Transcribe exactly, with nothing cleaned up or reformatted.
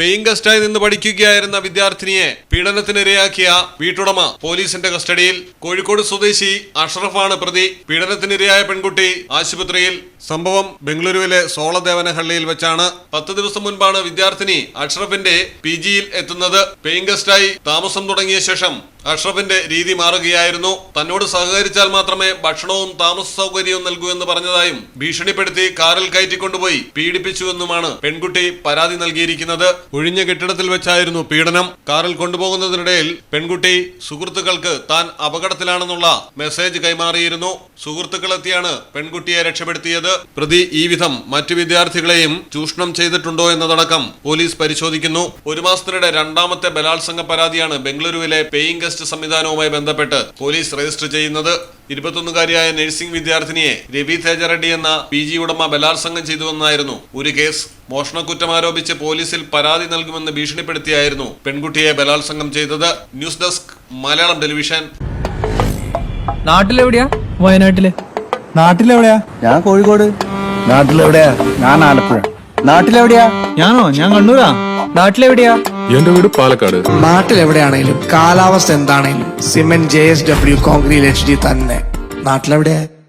Paying ഗസ്റ്റായി നിന്ന് പഠിക്കുകയായിരുന്ന വിദ്യാർത്ഥിനിയെ പീഡനത്തിനിരയാക്കിയ വീട്ടുടമ പോലീസിന്റെ കസ്റ്റഡിയിൽ. കോഴിക്കോട് സ്വദേശി അഷ്റഫാണ് പ്രതി. പീഡനത്തിനിരയായ പെൺകുട്ടി ആശുപത്രിയിൽ. സംഭവം ബംഗളൂരുവിലെ സോളദേവനഹള്ളിയിൽ വെച്ചാണ്. പത്ത് ദിവസം മുൻപാണ് വിദ്യാർത്ഥിനി അഷ്റഫിന്റെ പി ജിയിൽ എത്തുന്നത്. പേയിങ് ഗസ്റ്റായി താമസം തുടങ്ങിയ ശേഷം അഷ്റഫിന്റെ രീതി മാറുകയായിരുന്നു. തന്നോട് സഹകരിച്ചാൽ മാത്രമേ ഭക്ഷണവും താമസ സൗകര്യവും നൽകൂ എന്ന് പറഞ്ഞതായും ഭീഷണിപ്പെടുത്തി കാറിൽ കയറ്റിക്കൊണ്ടുപോയി പീഡിപ്പിച്ചുവെന്നുമാണ് പെൺകുട്ടി പരാതി നൽകിയിരിക്കുന്നത്. ഒഴിഞ്ഞ കെട്ടിടത്തിൽ വെച്ചായിരുന്നു പീഡനം. കാറിൽ കൊണ്ടുപോകുന്നതിനിടയിൽ പെൺകുട്ടി സുഹൃത്തുക്കൾക്ക് താൻ അപകടത്തിലാണെന്നുള്ള മെസ്സേജ് കൈമാറിയിരുന്നു. സുഹൃത്തുക്കളെത്തിയാണ് പെൺകുട്ടിയെ രക്ഷപ്പെടുത്തിയത്. പ്രതി ഈ വിധം മറ്റു വിദ്യാർത്ഥികളെയും ചൂഷണം ചെയ്തിട്ടുണ്ടോ എന്നതടക്കം പോലീസ് പരിശോധിക്കുന്നു. ഒരു മാസത്തിനിടെ രണ്ടാമത്തെ ബലാത്സംഗ പരാതിയാണ് ബംഗളൂരുവിലെ പേയിങ് ഗസ്റ്റ് സംവിധാനവുമായി ബന്ധപ്പെട്ട് പോലീസ് രജിസ്റ്റർ ചെയ്യുന്നത്. ഇരുപത്തൊന്നുകാരിയായ നഴ്സിംഗ് വിദ്യാർത്ഥിനിയെ രവി തേജറെഡ്ഡി എന്ന പി ജി ഉടമ ബലാത്സംഗം ചെയ്തുവെന്നായിരുന്നു ഒരു കേസ്. മോഷണക്കുറ്റം ആരോപിച്ച് പോലീസിൽ പരാതി നൽകുമെന്ന് ഭീഷണിപ്പെടുത്തിയായിരുന്നു പെൺകുട്ടിയെ ബലാത്സംഗം ചെയ്തത്. News desk Malayalam television. നാട്ടിലെവിടെയാ? വയനാട്ടില്. നാട്ടിലെവിടെയാ? ഞാൻ കോഴിക്കോട്. നാട്ടിലെവിടെയാ? ഞാൻ ആലപ്പുഴ. നാട്ടിലെവിടെയാ? ഞാനോ? ഞാൻ കണ്ണൂരാ. നാട്ടിലെവിടെയാ? എന്റെ വീട് പാലക്കാട്. നാട്ടിലെവിടെയാണേലും കാലാവസ്ഥ എന്താണേലും cement J S W concrete H D തന്നെ. നാട്ടിലെവിടെയാ?